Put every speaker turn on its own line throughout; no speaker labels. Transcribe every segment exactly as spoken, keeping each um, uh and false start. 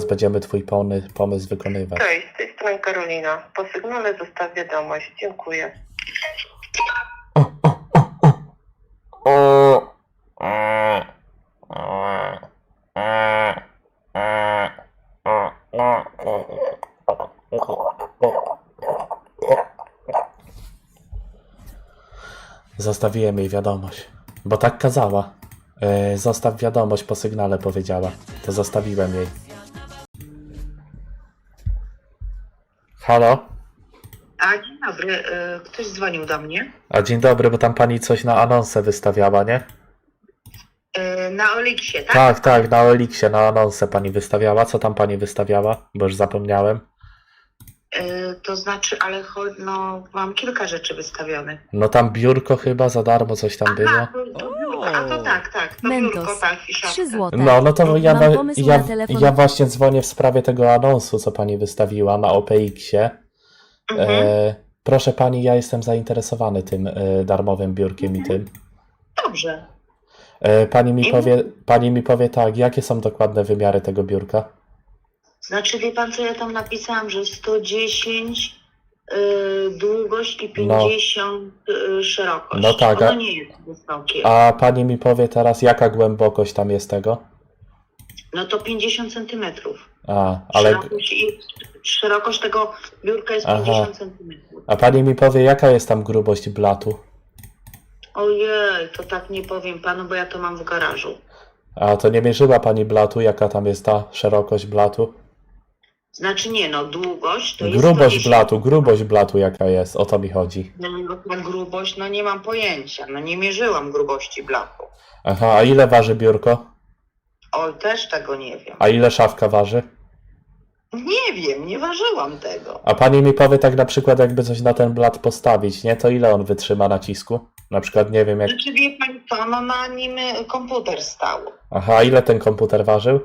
zaraz będziemy twój pony, pomysł wykonywać.
Cześć, z tej strony Karolina. Po sygnale zostaw wiadomość. Dziękuję.
Zostawiłem jej wiadomość, bo tak kazała. Yy, zostaw wiadomość, po sygnale powiedziała. To zostawiłem jej. Halo?
A dzień dobry, y, ktoś dzwonił do mnie.
A dzień dobry, bo tam pani coś na anonsę wystawiała, nie?
Y, Na Oliksie, tak?
Tak, tak, na Oliksie, na anonsę pani wystawiała. Co tam pani wystawiała? Bo już zapomniałem.
Y, To znaczy, ale cho- no, mam kilka rzeczy wystawionych.
No tam biurko chyba za darmo coś tam było.
Aha, to, to biurko, a to tak, tak, to
Mentos,
biurko, tak, i szafka.
trzy złote.
No, no to ja,
Mam
wa-
pomysł
ja,
na telefon.
ja właśnie dzwonię w sprawie tego anonsu, co pani wystawiła na O P X-ie.
Mhm.
E, proszę pani, ja jestem zainteresowany tym e, darmowym biurkiem i tym.
Dobrze.
E, pani, mi
I-
powie, pani mi powie tak, jakie są dokładne wymiary tego biurka?
Znaczy, wie pan, co ja tam napisałam, że sto dziesięć y, długość i pięćdziesiąt y, szerokość.
No tak, a-
Ono nie jest wysokie.
A pani mi powie teraz, jaka głębokość tam jest tego?
No to pięćdziesiąt centymetrów.
A, ale...
Szerokość, i, szerokość tego biurka jest
Aha.
pięćdziesiąt centymetrów.
A pani mi powie, jaka jest tam grubość blatu?
Ojej, to tak nie powiem panu, bo ja to mam w garażu.
A to nie mierzyła pani blatu, jaka tam jest ta szerokość blatu?
Znaczy nie, no długość to jest
Grubość
sto dziesięć.
blatu, grubość blatu jaka jest, o to mi chodzi.
No, no ta grubość, no nie mam pojęcia, no nie mierzyłam grubości blatu.
Aha, a ile waży biurko?
Oj, też tego nie wiem.
A ile szafka waży?
Nie wiem, nie ważyłam tego.
A pani mi powie tak na przykład, jakby coś na ten blat postawić, nie? To ile on wytrzyma nacisku? Na przykład nie wiem jak...
Znaczy wie pani co, no na nim y, komputer stał.
Aha, a ile ten komputer ważył?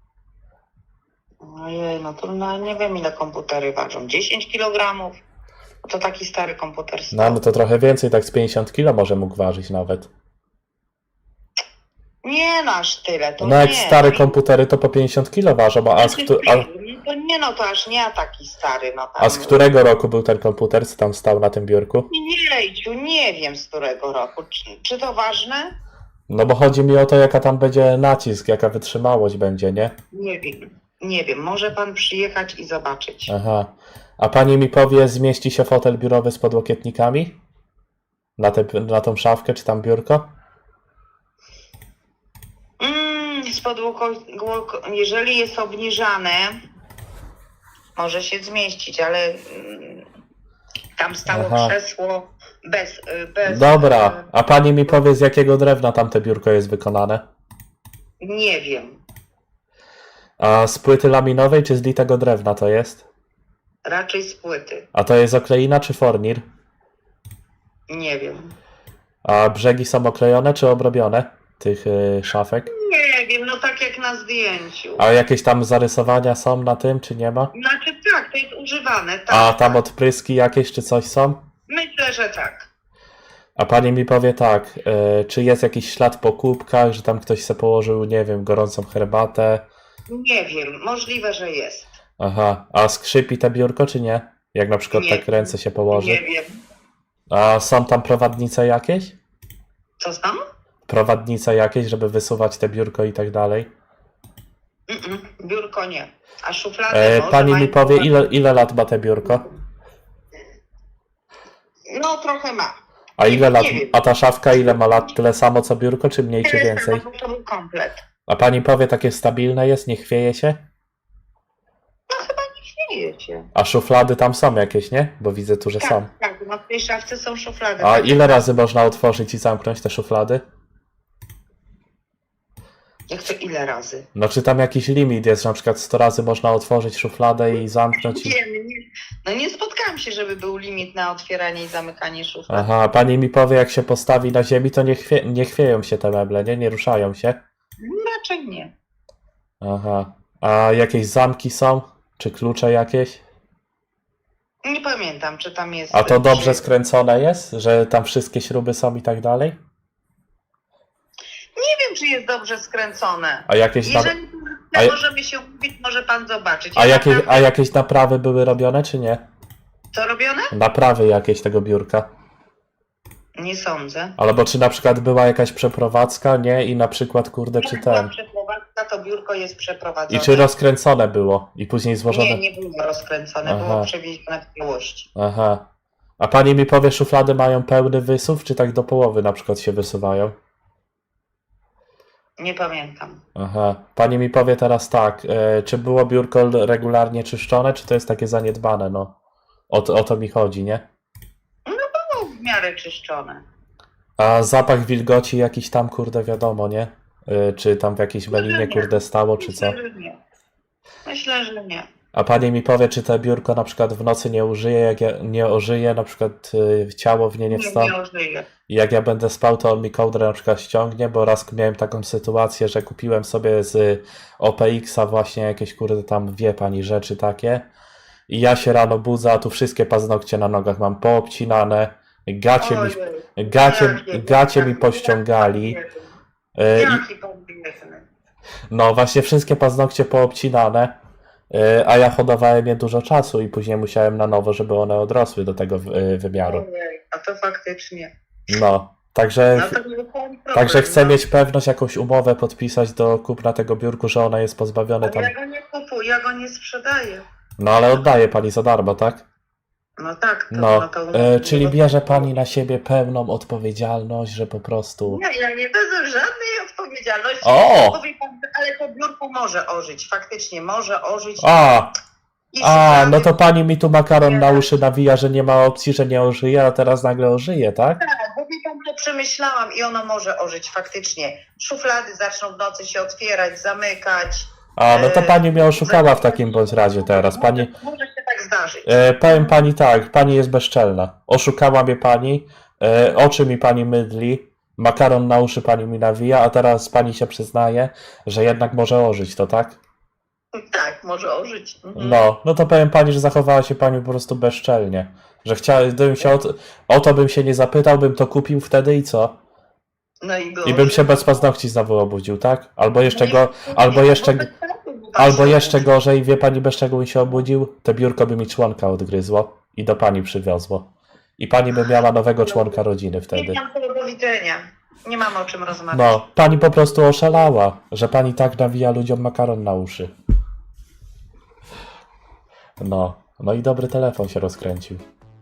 Ojej, no to no, nie wiem ile komputery ważą. dziesięć kilogramów. To taki stary komputer stał.
No, no to trochę więcej, tak z pięćdziesiąt kilo może mógł ważyć nawet.
Nie no aż tyle, to
No jak
nie.
stare
no,
komputery to po pięćdziesiąt kilo ważą, a z,
Znaczy,
któ- a,
no to nie no, to aż nie taki stary. No, tam,
a z którego roku był ten komputer, co tam stał na tym biurku?
Jejciu, nie wiem z którego roku. Czy, czy to ważne?
No bo chodzi mi o to, jaka tam będzie nacisk, jaka wytrzymałość będzie, nie?
Nie wiem. Nie wiem, może pan przyjechać i zobaczyć.
Aha. A pani mi powie, zmieści się fotel biurowy z podłokietnikami? Na, te, na tą szafkę, czy tam biurko?
Mm, z podłoko, jeżeli jest obniżane, może się zmieścić, ale mm, tam stało
Aha.
krzesło bez, y, bez...
Dobra, a pani mi powie, z jakiego drewna tamte biurko jest wykonane?
y, Nie wiem.
A z płyty laminowej, czy z litego drewna to jest?
Raczej z płyty.
A to jest okleina, czy fornir?
Nie wiem.
A brzegi są oklejone, czy obrobione tych y, szafek?
Nie wiem, no tak jak na zdjęciu.
A jakieś tam zarysowania są na tym, czy nie ma?
Znaczy tak, to jest używane, tak.
A tam
tak.
odpryski jakieś, czy coś są?
Myślę, że tak.
A pani mi powie tak, y, czy jest jakiś ślad po kubkach, że tam ktoś se położył, nie wiem, gorącą herbatę?
Nie wiem, możliwe, że jest.
Aha, a skrzypi te biurko, czy nie? Jak na przykład
Nie.
tak ręce się położy?
Nie wiem.
A są tam prowadnice jakieś?
Co tam?
Prowadnice jakieś, żeby wysuwać te biurko i tak dalej?
Mm-mm, biurko nie. A szuflady
E,
może
pani mi
mają-
powie, ile, ile lat ma te biurko?
No trochę ma.
A ile lat,
Nie wiem.
a ta szafka ile ma lat? Tyle samo co biurko, czy mniej, czy
Tyle
więcej?
samo, bo to był komplet.
A pani powie, takie stabilne jest, nie chwieje się?
No chyba nie śmieje się.
A szuflady tam są jakieś, nie? Bo widzę tu, że są.
Tak, tak, no w tej szafce są szuflady.
A
tak.
ile razy można otworzyć i zamknąć te szuflady?
Jak to ile razy?
No czy tam jakiś limit jest, że na przykład sto razy można otworzyć szufladę i zamknąć? I...
Nie, nie, no nie spotkałam się, żeby był limit na otwieranie i zamykanie szuflad.
Aha, pani mi powie, jak się postawi na ziemi, to nie, chwie... nie chwieją się te meble, nie? Nie ruszają się?
Raczej nie.
Aha. A jakieś zamki są? Czy klucze jakieś?
Nie pamiętam, czy tam jest...
A to
czy-
dobrze skręcone jest? Że tam wszystkie śruby są i tak dalej?
Nie wiem, czy jest dobrze skręcone.
A jakieś tam...
Jeżeli
A ja-
możemy się umówić, może pan zobaczyć.
A,
Ja
jakie,
naprawdę-
a jakieś naprawy były robione, czy nie?
Co robione?
Naprawy jakieś tego biurka?
Nie sądzę.
Albo czy na przykład była jakaś przeprowadzka, nie? I na przykład, kurde, czy
Jak była
ten...
przeprowadzka, to biurko jest przeprowadzone.
I czy rozkręcone było? I później złożone...
Nie, nie było rozkręcone,
Aha.
było przewiezione w całości.
Aha. A pani mi powie, szuflady mają pełny wysuw, czy tak do połowy na przykład się wysuwają?
Nie pamiętam.
Aha. Pani mi powie teraz tak, e, czy było biurko regularnie czyszczone, czy to jest takie zaniedbane, no? O, to- o to mi chodzi, nie?
Było w miarę czyszczone.
A zapach wilgoci jakiś tam, kurde, wiadomo, nie? E, czy tam w jakiejś melinie, kurde, stało, czy co?
Myślę, że nie. Myślę, że nie.
A pani mi powie, czy to biurko na przykład w nocy nie użyje, jak ja nie ożyje, na przykład y, ciało w nie nie
Nie,
wstąpi.
nie ożyje.
I jak ja będę spał, to on mi kołdrę na przykład ściągnie, bo raz miałem taką sytuację, że kupiłem sobie z O P X-a właśnie jakieś, kurde, tam wie pani rzeczy takie. I ja się rano budzę, a tu wszystkie paznokcie na nogach mam poobcinane, gacie mi,
Ojej.
gacie,
Jakie-
gacie mi
jakie-
pościągali.
jakie-
y, i-
Jaki pan biedny.
No właśnie wszystkie paznokcie poobcinane, yy, a ja hodowałem je dużo czasu i później musiałem na nowo, żeby one odrosły do tego yy, wymiaru.
Ojej, a to faktycznie.
No, także,
No to był problem,
także chcę
no.
mieć pewność, jakąś umowę podpisać do kupna tego biurku, że ona jest pozbawione
Ale
tam.
ja go nie kupuję, ja go nie sprzedaję.
No ale oddaje pani za darmo, tak?
No tak, to,
No,
no to...
yy, czyli bierze pani na siebie pełną odpowiedzialność, że po prostu...
Nie, ja nie wezmę żadnej odpowiedzialności.
O!
Mówi pan, ale to biurko może ożyć, faktycznie może ożyć.
A,
I
a,
szuflady-
no to pani mi tu makaron na uszy nawija, że nie ma opcji, że nie ożyje, a teraz nagle ożyje, tak?
Tak, bo wie pan, że przemyślałam i ono może ożyć faktycznie. Szuflady zaczną w nocy się otwierać, zamykać.
A, no to
E,
pani mnie oszukała w takim bądź razie teraz. Pani,
Może, może się tak zdarzyć.
e, powiem pani tak, pani jest bezczelna. Oszukała mnie pani, e, oczy mi pani mydli, makaron na uszy pani mi nawija, a teraz pani się przyznaje, że jednak może ożyć, to tak?
Tak, może ożyć. Mhm.
No, no to powiem pani, że zachowała się pani po prostu bezczelnie. Że chciałem, gdybym się o, to- o to bym się nie zapytał, bym to kupił wtedy i co?
No i, go
I bym się bez paznokci znowu obudził, tak? Albo jeszcze go, albo
Nie,
jeszcze,
bo bez sensu by pan
albo
się
jeszcze
obudził.
gorzej, wie pani, bez czego bym się obudził? To biurko by mi członka odgryzło i do pani przywiozło. I pani by miała nowego członka rodziny wtedy.
Nie mam tego do widzenia. Nie mam o czym rozmawiać.
No, pani po prostu oszalała, że pani tak nawija ludziom makaron na uszy. No, no i dobry telefon się rozkręcił.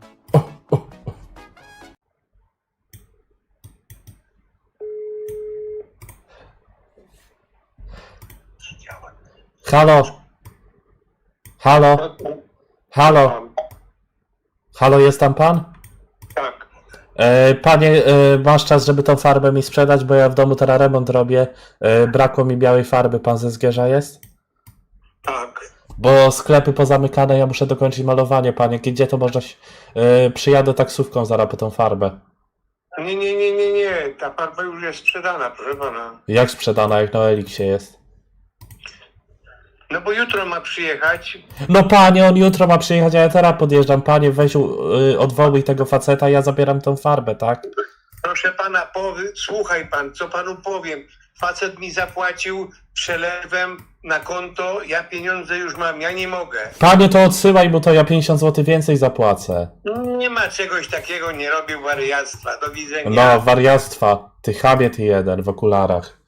Halo? Halo? Halo? Halo, jest tam pan?
Tak,
E, Panie, e, masz czas, żeby tą farbę mi sprzedać, bo ja w domu teraz remont robię. E, Brakło mi białej farby, pan ze Zgierza jest?
tak.
Bo sklepy pozamykane, ja muszę dokończyć malowanie, panie. Gdzie to można... się- E, Przyjadę taksówką zaraz po tą farbę.
Nie, nie, nie, nie, nie. Ta farba już jest sprzedana, proszę pana.
Jak sprzedana, jak na Eliksie jest?
No bo jutro ma przyjechać.
No panie, on jutro ma przyjechać, a ja teraz podjeżdżam. Panie, weź u- y, odwołuj tego faceta, ja zabieram tą farbę, tak?
Proszę pana, powy, słuchaj pan, co panu powiem. Facet mi zapłacił przelewem na konto, ja pieniądze już mam, ja nie mogę.
Panie, to odsyłaj mu to, ja pięćdziesiąt złotych więcej zapłacę.
Nie ma czegoś takiego, nie robię wariactwa. Do widzenia.
No, wariactwa. Ty chamie, ty jeden, w okularach.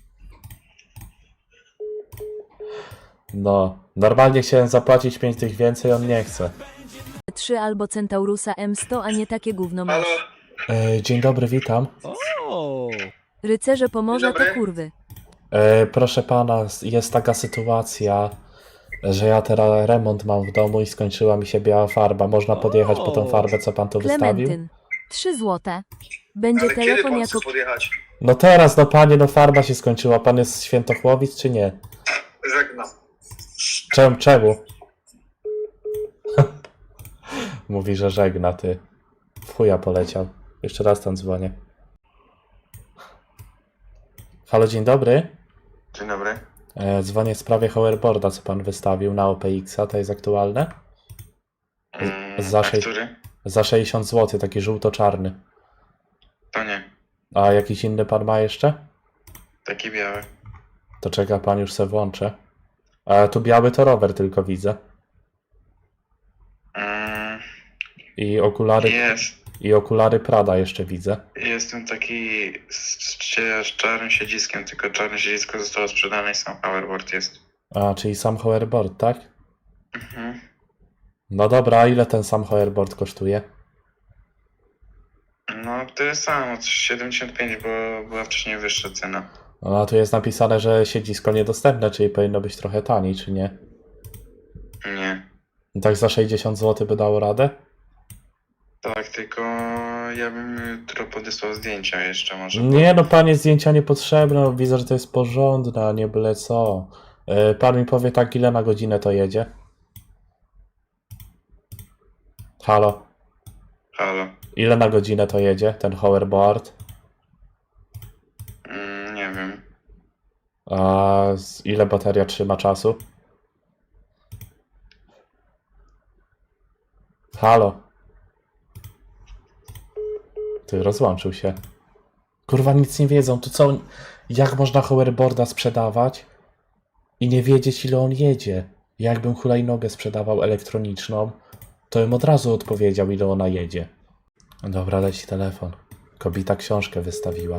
No, normalnie chciałem zapłacić pięć tych więcej, on nie chce.
trzy albo Centaurusa M sto, a nie takie gówno
Halo?
masz.
E, dzień dobry, witam.
O!
Rycerze pomoże
Dzień
to
dobry.
kurwy.
E, proszę pana, jest taka sytuacja, że ja teraz remont mam w domu i skończyła mi się biała farba. Można podjechać po tą farbę, co pan tu wystawił?
Klementyn. trzy złote. Będzie
Ale kiedy
telefon
pan
jako...
chce podjechać?
No teraz, no panie, no farba się skończyła. Pan jest z Świętochłowic, czy nie?
Żegnam.
Czemu? Czemu? Mówi, że żegna, ty. W chuja poleciał. Jeszcze raz tam dzwonię. Halo, dzień dobry.
Dzień dobry.
E, dzwonię w sprawie hoverboarda, co pan wystawił na O P X-a. To jest aktualne?
Mm,
Za
a
sze-
który?
Za sześćdziesiąt złotych, taki żółto-czarny.
To nie.
A jakiś inny pan ma jeszcze?
Taki biały.
To czeka pan, już se włączę. A tu biały to rower tylko widzę.
Mm,
I okulary,
jest.
i okulary Prada jeszcze widzę.
Jestem taki z, z, z czarnym siedziskiem, tylko czarne siedzisko zostało sprzedane i sam hoverboard jest.
A, czyli sam hoverboard, tak?
Mhm.
No dobra, a ile ten sam hoverboard kosztuje?
No tyle samo, siedemdziesiąt pięć, bo była wcześniej wyższa cena.
No, a tu jest napisane, że siedzisko niedostępne, czyli powinno być trochę taniej, czy nie?
Nie.
Tak za sześćdziesiąt złotych by dało radę?
Tak, tylko ja bym jutro podesłał zdjęcia jeszcze może.
Nie no, panie, zdjęcia niepotrzebne, no, widzę, że to jest porządne, a nie byle co. Yy, Pan mi powie tak, ile na godzinę to jedzie? Halo?
Halo.
Ile na godzinę to jedzie, ten hoverboard?
Mm, nie wiem.
A z ile bateria trzyma czasu? Halo? Ty, rozłączył się. Kurwa, nic nie wiedzą. To co? Jak można hoverboarda sprzedawać i nie wiedzieć, ile on jedzie? Jakbym hulajnogę sprzedawał elektroniczną, to bym od razu odpowiedział, ile ona jedzie. Dobra, leci telefon. Kobieta książkę wystawiła.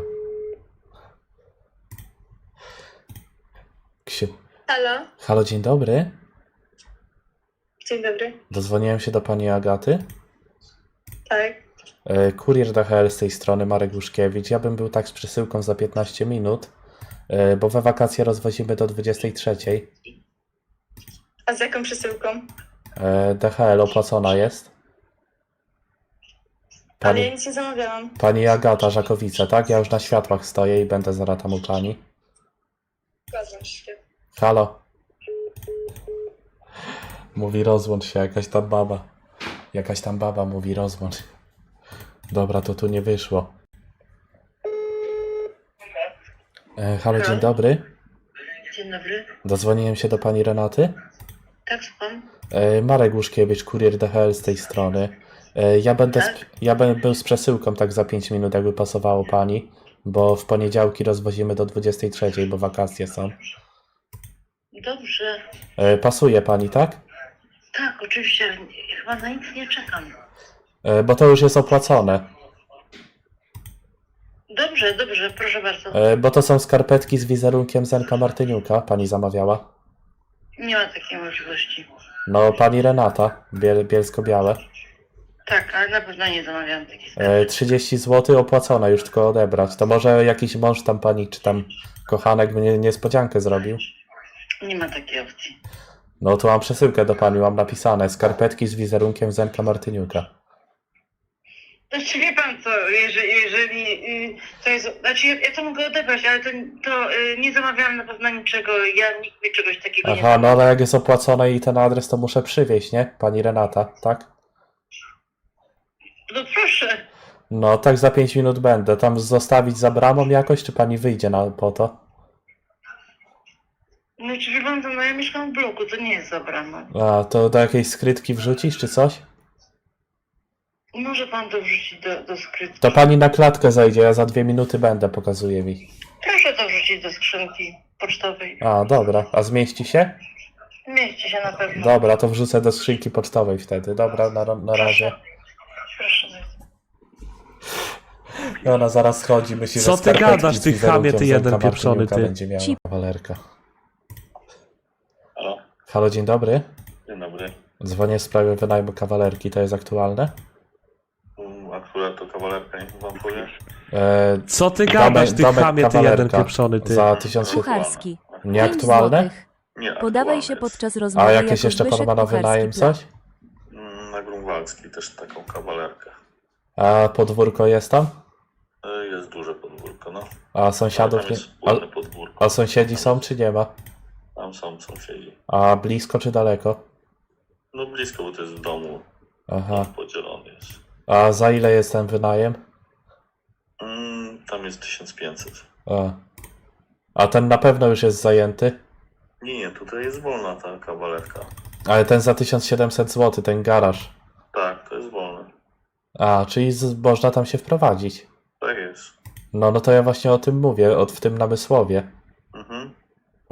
Ksi...
Halo,
Halo, dzień dobry.
dzień dobry.
Dodzwoniłem się do pani Agaty.
Tak,
E, Kurier D H L z tej strony, Marek Łuszkiewicz. Ja bym był tak z przesyłką za piętnaście minut, e, bo we wakacje rozwozimy do dwudziestej trzeciej.
a z jaką przesyłką?
E, D H L opłacona jest.
Ale ja
Pani,
nic nie zamawiałam.
pani Agata Żakowice, tak? Ja już na światłach stoję i będę zaraz tam u pani.
Zgadzam się.
Halo? Mówi rozłącz się, jakaś tam baba. Jakaś tam baba mówi rozłącz. Dobra, to tu nie wyszło. E, halo, dzień dobry.
Dzień dobry.
Dodzwoniłem się do pani Renaty.
Tak, słucham.
E, Marek Łuszkiewicz, kurier D H L z tej strony. E, Ja będę, z, ja będę był z przesyłką tak za pięć minut, jakby pasowało pani, bo w poniedziałki rozwozimy do dwudziestej trzeciej, bo wakacje są.
Dobrze.
E, Pasuje pani, tak?
Tak, oczywiście. Chyba na nic nie czekam.
E, Bo to już jest opłacone.
Dobrze, dobrze, proszę bardzo.
E, Bo to są skarpetki z wizerunkiem Zenka Martyniuka, pani zamawiała.
Nie ma takiej możliwości.
No, pani Renata, biel, bielsko-białe.
Tak, ale na pewno nie zamawiałam takich.
E, trzydzieści złotych opłacone, już tylko odebrać. To może jakiś mąż tam pani, czy tam kochanek mnie niespodziankę zrobił?
Nie ma takiej opcji.
No tu mam przesyłkę do pani, mam napisane skarpetki z wizerunkiem Zenka Martyniuka.
Znaczy wie pan co, jeżeli, jeżeli y, to jest, znaczy ja, ja to mogę odebrać, ale to, to y, nie zamawiałam na pewno niczego, ja nikt mi czegoś takiego nie
Aha, no
zamawiał.
ale jak jest opłacone i ten adres, to muszę przywieźć, nie? Pani Renata, tak?
No proszę.
No tak za pięć minut będę. Tam zostawić za bramą jakoś, czy pani wyjdzie na, po to?
No czy wie pan co, no ja mieszkam w bloku, to nie jest za bramą.
A, to do jakiejś skrytki wrzucić, czy coś?
Może pan to wrzucić do, do skrytki.
To pani na klatkę zajdzie, ja za dwie minuty będę, pokazuje mi.
Proszę to wrzucić do skrzynki pocztowej.
A, dobra. A zmieści się?
Mieści się na pewno.
Dobra, to wrzucę do skrzynki pocztowej wtedy. Dobra, na, na razie.
Proszę bardzo.
I ona zaraz schodzi, myśli, że
Co ty
skarpetki
gadasz,
z
ty
wizerunkiem
chamie, ty jeden
Zenka
pieprzony,
Martyniuka
ty.
będzie miała
Ci-
kawalerka.
Halo,
Halo, dzień dobry.
dzień dobry.
Dzwonię w sprawie wynajmu kawalerki, to jest aktualne?
Mm, Akurat to kawalerka, niech wam powie.
E,
Co ty
Domek-
gadasz, ty
domek
chamie, ty
kawalerka
jeden pieprzony, ty.
za tysiąc siedemset.
Kucharski. pięć
Nieaktualne?
złotych.
Nie,
Podawaj
aktualny
się
jest.
podczas rozmowy
A
jako
jakieś jeszcze pan
Zbyszek
ma na
Kucharski
wynajem
Plan.
coś?
Mm, Na Grunwaldzki też taką kawalerkę.
A podwórko jest tam?
E, Jest duże podwórko, no.
A sąsiadów
Tam
nie...
jest
A,
wspólne podwórko.
a sąsiedzi są czy nie ma?
Tam są sąsiedzi.
A blisko czy daleko?
No blisko, bo to jest w domu.
Aha.
Podzielony jest.
A za ile jest ten wynajem?
Mm, Tam jest tysiąc pięćset.
A. A ten na pewno już jest zajęty?
Nie, nie, tutaj jest wolna ta kawalerka.
Ale ten za tysiąc siedemset złotych, ten garaż.
Tak, to jest wolne.
A, czyli z, można tam się wprowadzić.
Tak jest.
No, no to ja właśnie o tym mówię, o, w tym namysłowie.
Mhm.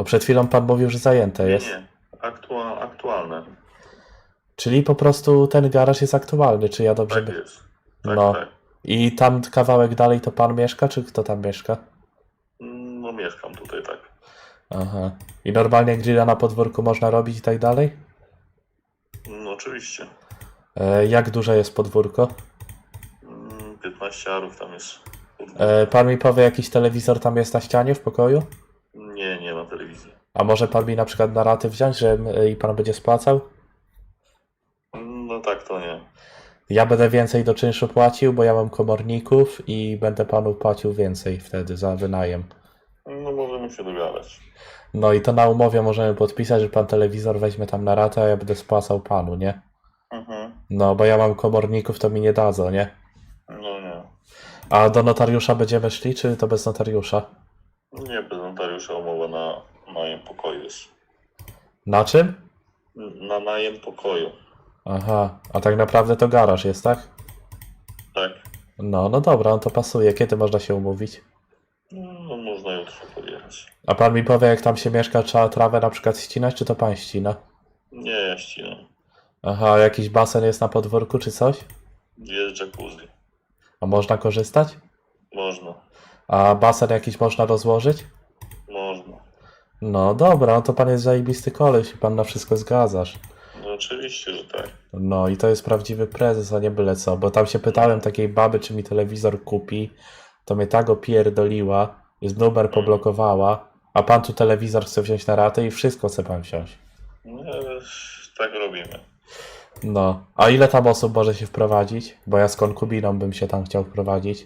Bo przed chwilą pan mówił, że zajęte
Nie,
jest.
nie. Aktua, aktualne.
Czyli po prostu ten garaż jest aktualny, czy ja dobrze...
Tak
by-
jest. Tak,
No.
tak.
I tam kawałek dalej to pan mieszka, czy kto tam mieszka?
No mieszkam tutaj, tak.
Aha. I normalnie grilla na podwórku można robić i tak dalej?
No oczywiście.
E, jak duże jest podwórko?
Mm, piętnaście arów tam jest.
E, pan mi powie, jakiś telewizor tam jest na ścianie w pokoju?
Nie, nie ma telewizji.
A może pan mi na przykład na raty wziąć, że e, i pan będzie spłacał?
No tak, to nie.
Ja będę więcej do czynszu płacił, bo ja mam komorników i będę panu płacił więcej wtedy za wynajem.
No możemy się dogadać.
No i to na umowie możemy podpisać, że pan telewizor weźmie tam na ratę, a ja będę spłacał panu, nie?
Mhm.
No, bo ja mam komorników, to mi nie dadzą, nie?
No nie.
A do notariusza będziemy szli, czy to bez notariusza?
Nie, bez notariusza umowa na najem pokoju jest.
Na czym?
Na najem pokoju.
Aha, a tak naprawdę to garaż jest, tak?
Tak.
No, no dobra, on to pasuje. Kiedy można się umówić?
No można jutro podjechać.
A pan mi powie, jak tam się mieszka, trzeba trawę na przykład ścinać, czy to pan ścina?
Nie, ja ścinam.
Aha, jakiś basen jest na podwórku, czy coś?
Jest jacuzzi.
A można korzystać?
Można.
A basen jakiś można rozłożyć?
Można.
No dobra, no to pan jest zajebisty koleś i pan na wszystko zgadzasz.
No oczywiście, że tak.
No i to jest prawdziwy prezes, a nie byle co, bo tam się pytałem takiej baby, czy mi telewizor kupi, to mnie tak opierdoliła, jest numer poblokowała, a pan tu telewizor chce wziąć na ratę i wszystko chce pan wziąć.
No ale tak robimy.
No, a ile tam osób może się wprowadzić? Bo ja z konkubiną bym się tam chciał wprowadzić.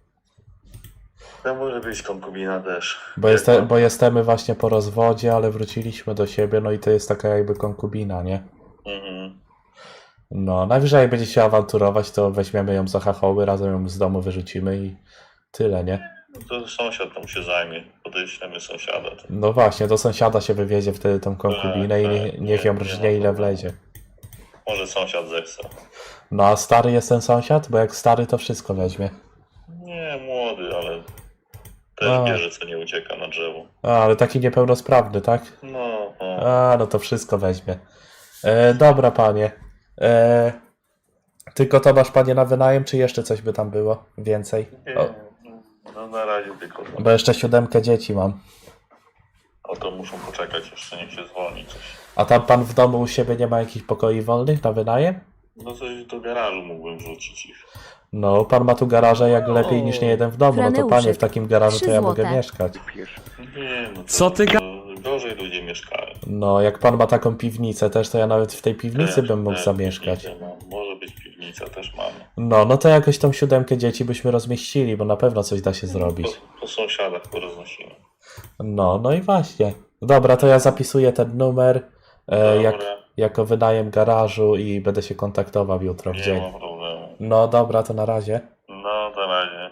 To może być konkubina też.
Bo,
Jak
jeste,
pan-
bo jesteśmy właśnie po rozwodzie, ale wróciliśmy do siebie, no i to jest taka jakby konkubina, nie?
Mhm.
No, najwyżej jak będzie się awanturować, to weźmiemy ją za chachoły, razem ją z domu wyrzucimy i tyle, nie?
No to sąsiad tam się zajmie. Podeślemy sąsiada. To...
No właśnie, do sąsiada się wywiezie wtedy tą konkubinę i
Tak,
nie,
tak,
niech ją
nie, nie
rżnie
ma
ile
problemu.
wlezie.
Może sąsiad zechce.
No a stary jest ten sąsiad? Bo jak stary to wszystko weźmie.
Nie, młody, ale też
A.
bierze co nie ucieka na drzewo.
A, ale taki niepełnosprawny, tak?
No, no.
A, no to wszystko weźmie. E, dobra, panie. E, tylko to masz, panie, na wynajem, czy jeszcze coś by tam było? Więcej?
Nie,
O,
no na razie tylko to.
bo jeszcze siódemkę dzieci mam.
O to muszą poczekać, jeszcze niech się zwolni coś.
A tam pan w domu u siebie nie ma jakichś pokoi wolnych na wynajem?
No coś do garażu mógłbym wrzucić ich.
No, pan ma tu garaże jak lepiej niż nie jeden w domu. No to panie,
Franeuszek,
w takim garażu to
trzy
ja mogę
złote.
mieszkać.
Nie, no to,
Co ty ga-
to gorzej ludzie mieszkają.
No, jak pan ma taką piwnicę też, to ja nawet w tej piwnicy
Też,
bym mógł
też
zamieszkać.
piwnicę mam. Może być piwnica, też mamy.
No, no to jakoś tą siódemkę dzieci byśmy rozmieścili, bo na pewno coś da się zrobić.
Po, po sąsiadach poroznosimy.
No, no i właśnie. Dobra, to ja zapisuję ten numer e, jak,
Dobra,
jako wynajem garażu i będę się kontaktował jutro w
nie
dzień.
ma problemu.
No dobra, to na razie.
No, na razie.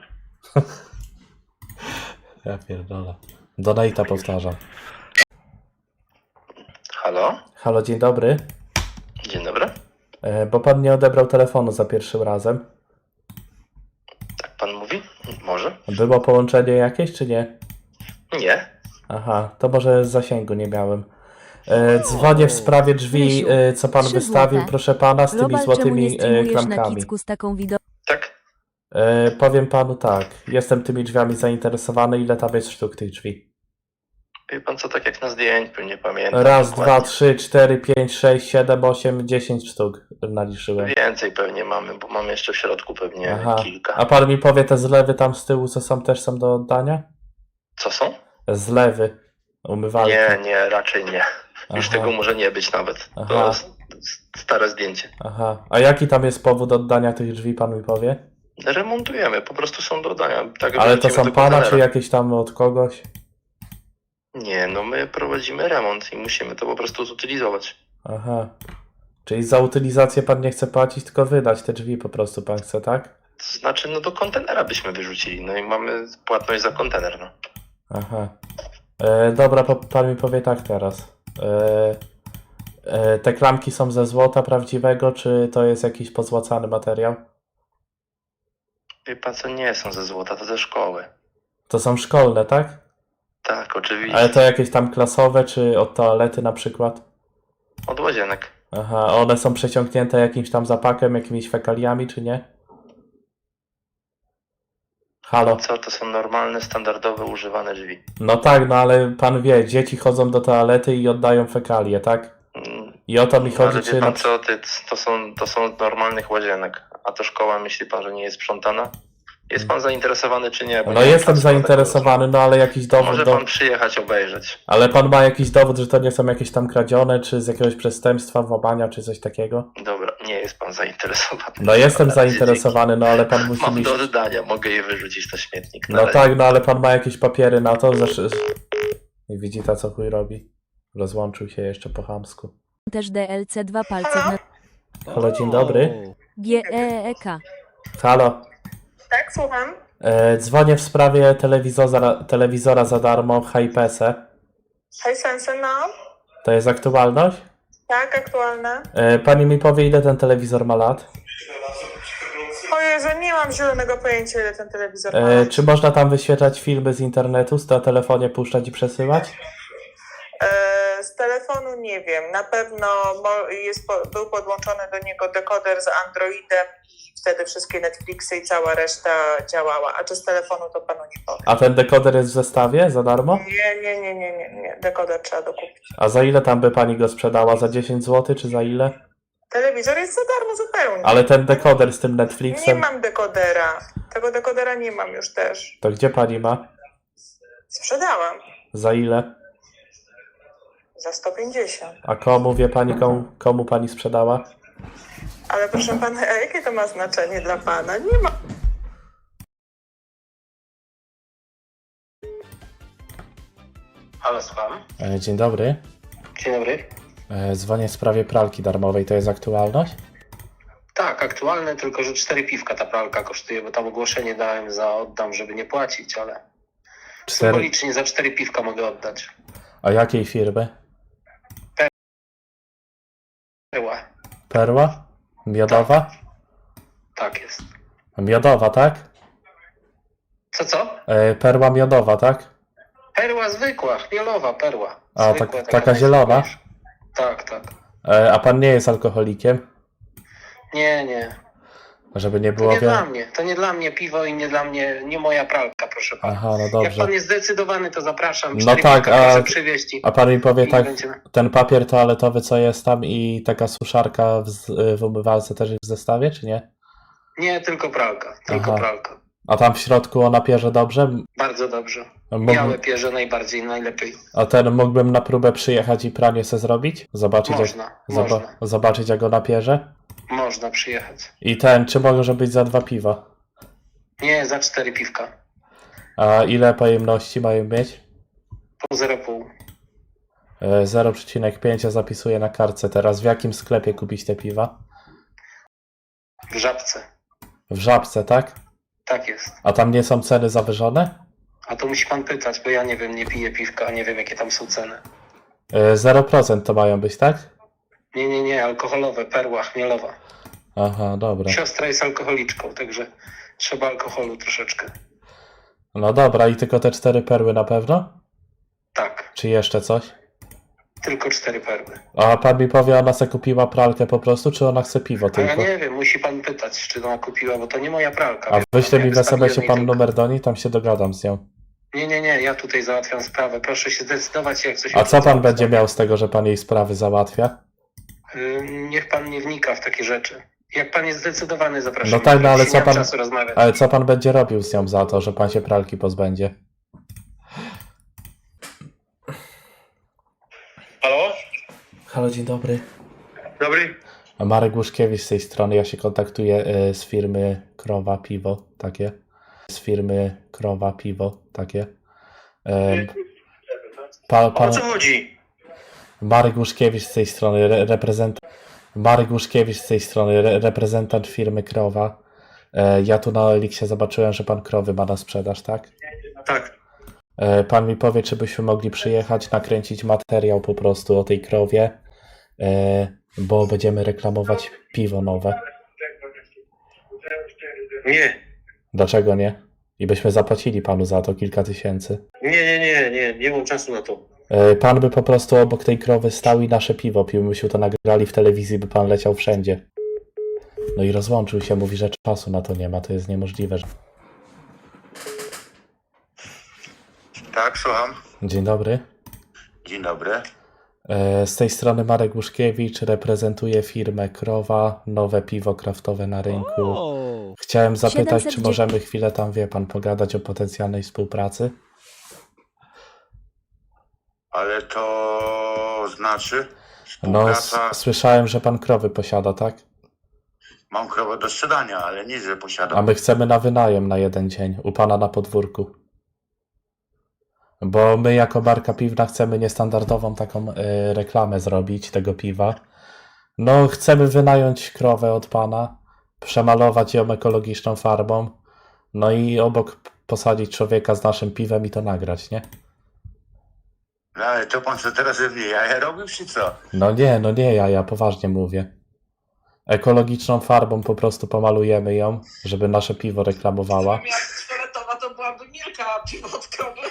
Ja pierdolę. Donate'a powtarzam.
Halo?
Halo, dzień dobry.
Dzień dobry.
E, bo pan nie odebrał telefonu za pierwszym razem.
Tak pan mówi? Może?
Było połączenie jakieś, czy nie?
Nie.
Aha, to może z zasięgu nie miałem. E, dzwonię w sprawie drzwi,
Rysiu,
e, co pan
trzy
wystawił,
złote.
proszę pana, z tymi
Robal, czemu nie
złotymi e,
streamujesz na
klamkami.
Kicku z taką wideo...
Tak?
E, powiem panu tak, jestem tymi drzwiami zainteresowany, ile tam jest sztuk tych drzwi?
Wie pan co, tak jak na zdjęciu, nie pamiętam.
Raz,
dokładnie.
dwa, trzy, cztery, pięć, sześć, siedem, osiem, dziesięć sztuk naliczyłem.
Więcej pewnie mamy, bo mamy jeszcze w środku pewnie
Aha,
kilka.
a pan mi powie te zlewy tam z tyłu, co są, też są do oddania?
Co są?
Zlewy, umywalki.
Nie, nie, raczej nie. Już
Aha.
tego może nie być nawet.
Aha.
To s- s- stare zdjęcie.
Aha, a jaki tam jest powód oddania tych drzwi, pan mi powie?
Remontujemy, po prostu są do oddania. Tak,
Ale to
wrzucimy
są
do
pana, czy
kontenera.
jakieś tam od kogoś?
Nie, no my prowadzimy remont i musimy to po prostu zutylizować.
Aha, czyli za utylizację pan nie chce płacić, tylko wydać te drzwi po prostu pan chce, tak?
To znaczy, no do kontenera byśmy wyrzucili, no i mamy płatność za kontener, no.
Aha. E, dobra, po, pan mi powie tak teraz. E, e, te klamki są ze złota prawdziwego, czy to jest jakiś pozłacany materiał?
Wie pan co, nie są ze złota, to ze szkoły.
To są szkolne, tak?
Tak, oczywiście.
Ale to jakieś tam klasowe, czy od toalety na przykład?
Od łazienek.
Aha, one są przeciągnięte jakimś tam zapakiem, jakimiś fekaliami, czy nie? Halo?
Co, to są normalne, standardowe, używane drzwi.
No tak, no ale pan wie, dzieci chodzą do toalety i oddają fekalie, tak?
Mm,
I o to mi chodzi,
Ale
czy
wie
na
pan
przykład...
co, ty, to są, to są od normalnych łazienek. A to szkoła, myśli pan, że nie jest sprzątana? Jest pan zainteresowany czy nie? Bo
No
nie mam
jestem
czasu na
zainteresowany, no ale jakiś
taką-
dowód...
Może
Do...
pan przyjechać obejrzeć.
Ale pan ma jakiś dowód, że to nie są jakieś tam kradzione, czy z jakiegoś przestępstwa, włamania, czy coś takiego?
Dobra, nie jest pan zainteresowany.
No jestem
Na razie
zainteresowany, no ale pan
dzięki.
musi
Mam
mi...
do oddania, mogę je wyrzucić na śmietnik. Na
No
razie.
tak, no ale pan ma jakieś papiery na to, że... I widzi ta, co chuj robi. Rozłączył się jeszcze po chamsku.
Też D L C dwa palce w na...
Halo, dzień dobry.
G E E K.
Halo.
Tak, słucham.
E, dzwonię w sprawie telewizora, telewizora za darmo w Hypese.
Hej, Sense, no.
To jest aktualność?
Tak, aktualne.
E, pani mi powie, ile ten telewizor ma lat?
O Jezu, nie mam zielonego pojęcia, ile ten telewizor ma.
E, czy można tam wyświetlać filmy z internetu, na telefonie puszczać i przesyłać?
E, z telefonu nie wiem. Na pewno mo- jest po- był podłączony do niego dekoder z Androidem i wtedy wszystkie Netflixy i cała reszta działała. A czy z telefonu, to panu nie powiem.
A ten dekoder jest w zestawie za darmo?
Nie, nie, nie, nie, nie, nie. Dekoder trzeba dokupić.
A za ile tam by pani go sprzedała? Za dziesięć złotych czy za ile?
Telewizor jest za darmo zupełnie.
Ale ten dekoder z tym
Nie
Netflixem,
mam dekodera. Tego dekodera nie mam już też.
to gdzie pani ma?
Sprzedałam.
Za ile?
Za sto pięćdziesiąt.
A komu, wie pani, komu, komu pani sprzedała?
Ale proszę pana, a jakie to ma znaczenie dla pana? Nie ma.
Halo, słucham.
E, dzień dobry.
Dzień dobry.
E, dzwonię w sprawie pralki darmowej, to jest aktualność?
Tak, aktualne, tylko że cztery piwka ta pralka kosztuje, bo tam ogłoszenie dałem za oddam, żeby nie płacić, ale
Cztery.
symbolicznie za cztery piwka mogę oddać.
A jakiej firmy?
Była.
Perła? Miodowa?
Tak jest.
Miodowa, tak?
Co, co?
E, perła miodowa, tak?
Perła zwykła, chmielowa perła.
A,
Zwykła,
tak- taka
najsmaczniejsza.
zielona?
Tak, tak.
E, a pan nie jest alkoholikiem?
Nie, nie.
Żeby nie
To
było
nie
wie...
dla mnie. To nie dla mnie piwo i nie dla mnie, nie moja pralka, proszę pana.
Aha, no
Jak
dobrze.
pan jest zdecydowany, to zapraszam.
No
Cztery
tak,
piwka
a-
proszę przywieźć i,
A pan mi powie
i
tak,
będziemy.
ten papier toaletowy, co jest tam i taka suszarka w, z- w umywalce też jest w zestawie, czy nie?
Nie, tylko pralka. Tylko
Aha.
pralka.
A tam w środku ona pierze dobrze?
Bardzo dobrze.
Mógłbym,
Białe pierze najbardziej, najlepiej.
a ten mógłbym na próbę przyjechać i pranie se zrobić? Zobaczyć,
Można,
jak, zoba,
można.
zobaczyć jak ona pierze?
Można przyjechać.
I ten, czy może być za dwa piwa?
Nie, za cztery piwka.
A ile pojemności mają mieć?
Po zero przecinek pięć.
E, zero przecinek pięć ja zapisuję na kartce teraz. W jakim sklepie kupić te piwa?
W Żabce.
W Żabce, tak?
Tak jest.
A tam nie są ceny zawyżone?
A to musi pan pytać, bo ja nie wiem, nie piję piwka, a nie wiem, jakie tam są ceny.
E, zero procent to mają być, tak?
Nie, nie, nie, alkoholowe, perła, chmielowa.
Aha, dobra.
Siostra jest alkoholiczką, także trzeba alkoholu troszeczkę.
No dobra, i tylko te cztery perły na pewno?
Tak,
Czy jeszcze coś?
tylko cztery perły.
A pan mi powie, ona se kupiła pralkę po prostu, czy ona chce piwo
A ja
tylko?
nie wiem, musi pan pytać, czy ona kupiła, bo to nie moja pralka.
A
wie
wyśle
pan,
mi w
ja
S M S-ie
wystawiłem
pan
jej tylko-
numer do niej, tam się dogadam z nią.
Nie, nie, nie, ja tutaj załatwiam sprawę. Proszę się zdecydować, jak coś...
A co pan będzie miał z tego, że pan jej sprawy załatwia?
Yy, Niech pan nie wnika w takie rzeczy. Jak pan jest zdecydowany, zapraszam.
No tak, no ale
Nie
co
mam
pan-
czasu rozmawiać.
Ale co pan będzie robił z nią za to, że pan się pralki pozbędzie?
Halo?
Halo, dzień dobry.
Dobry?
Marek Łuszkiewicz z tej strony, ja się kontaktuję y, z firmy Krowa Piwo, takie. Z firmy Krowa Piwo, takie. Ym, pa,
O
pan,
co chodzi?
Marek Łuszkiewicz z tej strony, re, reprezentant. Marek Łuszkiewicz z tej strony, re, reprezentant firmy Krowa. E, ja tu na Eliksie zobaczyłem, że pan krowy ma na sprzedaż, tak?
Tak.
E, pan mi powie, czy byśmy mogli przyjechać, nakręcić materiał po prostu o tej krowie, e, bo będziemy reklamować piwo nowe.
Nie.
Dlaczego nie? I byśmy zapłacili panu za to kilka tysięcy.
Nie, nie, nie, nie, nie mam czasu na to.
E, Pan by po prostu obok tej krowy stał i nasze piwo pił. Myśmy to nagrali w telewizji, by pan leciał wszędzie. No i rozłączył się, mówi, że czasu na to nie ma, to jest niemożliwe.
Tak, słucham.
Dzień dobry.
Dzień dobry.
E, Z tej strony Marek Łuszkiewicz, reprezentuję firmę Krowa, nowe piwo kraftowe na rynku. Chciałem zapytać, czy
siedemset
możemy chwilę tam, wie pan, pogadać o potencjalnej współpracy?
Ale to znaczy?
No, s- słyszałem, że pan krowy posiada, tak?
Mam krowę do sprzedania, ale nie, że posiadam.
A my chcemy na wynajem na jeden dzień, u pana na podwórku. Bo my jako marka piwna chcemy niestandardową taką y, reklamę zrobić tego piwa. No, chcemy wynająć krowę od pana, przemalować ją ekologiczną farbą, no i obok p- posadzić człowieka z naszym piwem i to nagrać, nie?
No, ale to pan co teraz ze mnie jaja robił, czy co?
No nie, no nie, ja, ja poważnie mówię. Ekologiczną farbą po prostu pomalujemy ją, żeby nasze piwo reklamowała.
Fioletowa to byłaby Milka piwotkowa.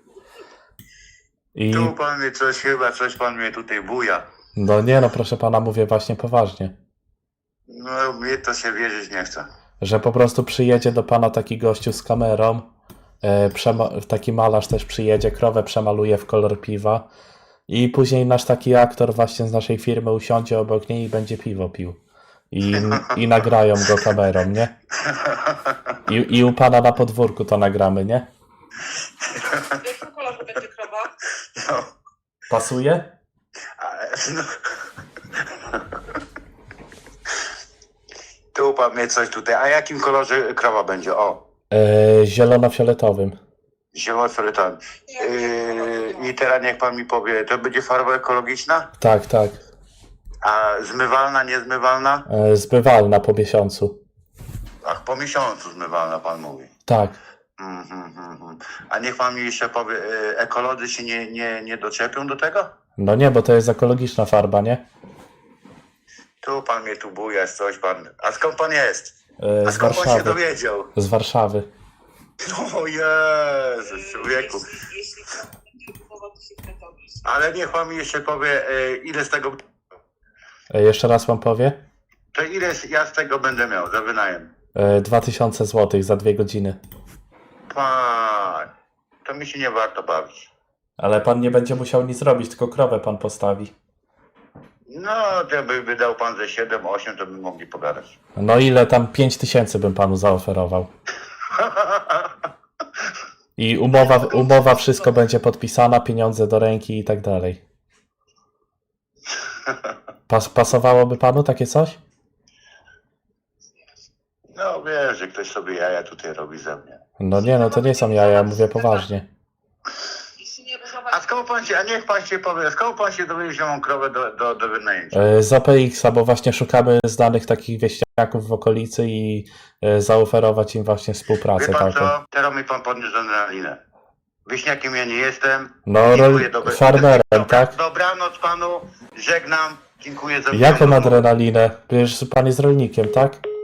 I
Tu pan mnie coś, chyba coś pan mnie tutaj buja.
no nie, no proszę pana, mówię właśnie poważnie.
No, mnie to się wierzyć nie chce.
Że po prostu przyjedzie do pana taki gościu z kamerą, e, przema- taki malarz też przyjedzie, krowę przemaluje w kolor piwa i później nasz taki aktor właśnie z naszej firmy usiądzie obok niej i będzie piwo pił. I, i nagrają go kamerą, nie? I, I u pana na podwórku to nagramy, nie?
W jakim kolorze będzie krowa?
No,
Pasuje?
ale, no. Tu pan mnie coś tutaj. A jakim kolorze krowa będzie? O,
E, zielono-fioletowym.
zielono-fioletowym. Yy, I teraz niech pan mi powie, to będzie farba ekologiczna?
Tak, tak.
A zmywalna, niezmywalna?
E, zbywalna po miesiącu.
Ach, po miesiącu zmywalna pan mówi.
Tak.
Mhm, mhm, mhm. A niech pan mi jeszcze powie, y, ekolodzy się nie, nie, nie doczepią do tego?
No nie, bo to jest ekologiczna farba, nie?
Tu pan mnie tu buja, coś pan. A skąd pan jest?
E,
A
z
skąd pan się
Warszawy.
dowiedział?
Z Warszawy.
O Jezus, człowieku.
Jeśli, jeśli krowa będzie kupowa, to się kretowi.
Ale niech pan mi jeszcze powie, y, ile z tego...
E, jeszcze raz pan powie?
To ile ja z tego będę miał za wynajem?
E, dwa tysiące złotych za dwie godziny.
Pan, to mi się nie warto bawić.
Ale pan nie będzie musiał nic robić, tylko krowę pan postawi.
No, to by wydał pan ze siedem osiem, to by mogli pogadać.
No ile tam pięć tysięcy bym panu zaoferował. I umowa, umowa wszystko będzie podpisana, pieniądze do ręki i tak dalej. Pas, pasowałoby panu takie coś?
No wiesz, że ktoś sobie jaja tutaj robi ze mnie.
No nie, no to nie są jaja, mówię poważnie.
Jeśli nie
A skąd pan się, a niech pan się powie, skąd pan się dowiedział, że mam krowę do, do, do wynajęcia?
E, Z O P X-a, bo właśnie szukamy znanych takich wieśniaków w okolicy i e, zaoferować im właśnie współpracę
Wie pan
taką.
co? Teraz mi pan podniósł adrenalinę. Wieśniakiem ja nie jestem.
No,
Dziękuję,
rol-
dobre-
farmerem,
Dobra,
tak?
Dobranoc panu, żegnam, dziękuję za
Jaką
rozmowę.
adrenalinę? Przecież pan jest rolnikiem, tak?